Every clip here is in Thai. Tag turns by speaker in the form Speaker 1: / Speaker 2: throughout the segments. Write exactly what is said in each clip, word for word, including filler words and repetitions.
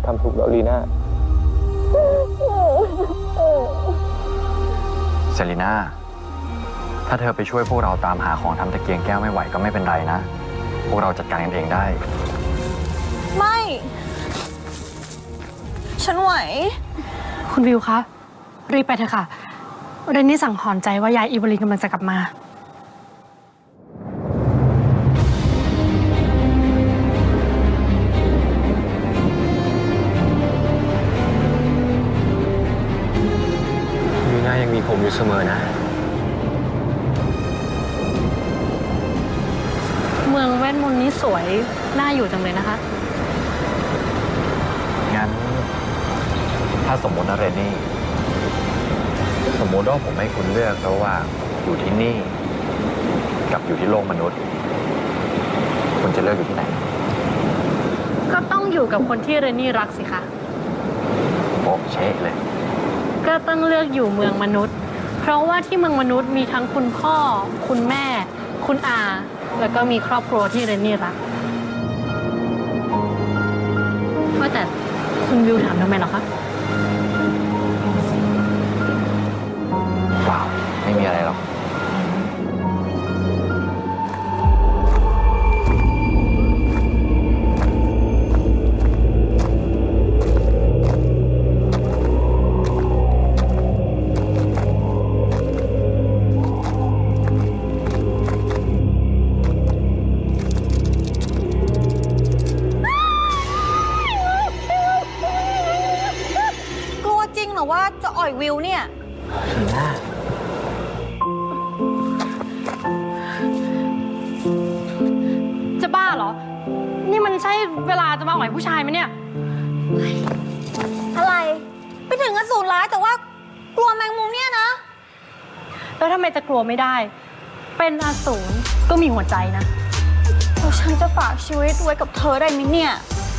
Speaker 1: ำถูกแล้วลีน่า
Speaker 2: เซรีน่าถ้าเธอไปช่วยพวกเราตามหาของทำตะเกียงแก้วไม่ไหวก็ไม่เป็นไรนะ พวกเราจัดการกันเองได้
Speaker 3: ไม่ฉันไหว
Speaker 4: คุณวิวคะรีบไปเถอะค่ะเรนนี่สั่งหอนใจว่ายายอีเวลินกำลังจะกลับมา
Speaker 1: ลีน่ายังมีผมอยู่เสมอนะ
Speaker 4: เมืองเวทมนต์นี้สวยน่าอยู่จังเลยนะคะ
Speaker 2: งั้นถ้าสมมตินะเรนนี่สมมติว่าผมให้คุณเลือกระหว่างอยู่ที่นี่กับอยู่ที่โลกมนุษย์คุณจะเลือกอยู่ที่ไหน
Speaker 4: ก็ต้องอยู่กับคนที่เรนนี่รักสิคะ
Speaker 2: โป๊ะเช๊ะเลย
Speaker 4: ก็ต้องเลือกอยู่เมืองมนุษย์เพราะว่าที่เมืองมนุษย์มีทั้งคุณพ่อคุณแม่คุณอาแล้วก็มีครอบครัวที่เรนนี่รักว่าแต่คุณวิวถามทำไมเหรอคะ
Speaker 2: เปล่าไม่มีอะไรหรอก
Speaker 3: หรือว่าจะอ่อยวิวเนี่ย
Speaker 1: ลีน่า
Speaker 4: จะบ้าเหรอนี่มันใช่เวลาจะมาอ่อยผู้ชายไหมเนี่ย
Speaker 3: อะไรไปถึงอสูรร้ายแต่ว่ากลัวแมงมุมเนี่ยนะ
Speaker 4: แล้วทำไมจะกลัวไม่ได้เป็นอสูรก็มีหัวใจนะ
Speaker 3: แล้วฉันจะฝากชีวิตไว้กับเธอได้ไหมเนี่ย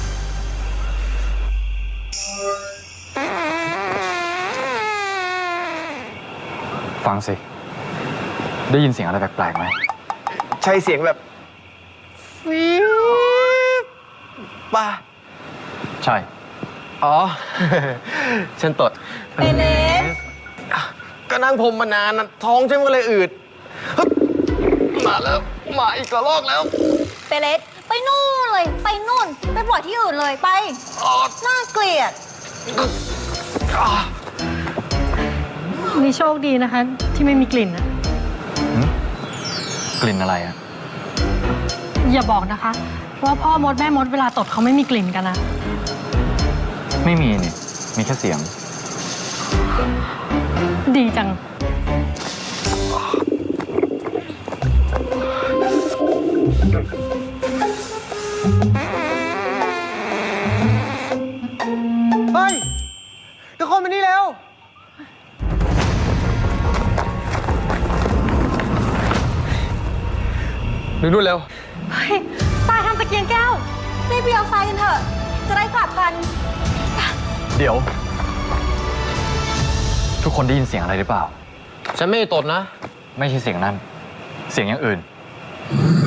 Speaker 2: ฟังสิได้ยินเสียงอะไรแปลกๆไหม
Speaker 1: ใช่เสียงแบบฟิวป่ะ
Speaker 2: ใช่
Speaker 1: อ๋อ ฉันตด
Speaker 3: เอเลส
Speaker 1: ก็นั่งพรมมานานนะท้องฉันก็เลยอืดมาแล้วมาอีกระลอกแล้ว
Speaker 3: เปเลสไปนู่นเลยไปนู่นไปปล่อยที่อื่นเลยไปน่าเกลียด
Speaker 4: นี่โชคดีนะคะที่ไม่มีกลิ่นอะ
Speaker 2: กลิ่นอะไรอะ
Speaker 4: อย่าบอกนะคะว่าพ่อมดแม่มดเวลาตดเขาไม่มีกลิ่นกันนะ
Speaker 2: ไม่มีนี่มีแค่เสียง
Speaker 4: ดีจัง
Speaker 1: เฮ้ยทุกคนมานี่แล้วดูนู่นเร็ว
Speaker 4: เฮ้ยทรายทำตะเกียงแก้ว
Speaker 3: รีบไปเอาทรายกันเถอะจะได้กลับกัน
Speaker 2: เดี๋ยวทุกคนได้ยินเสียงอะไรหรือเปล่า
Speaker 1: ฉันไม่ได้ตดนะ
Speaker 2: ไม่ใช่เสียงนั้นเสียงอย่างอื่น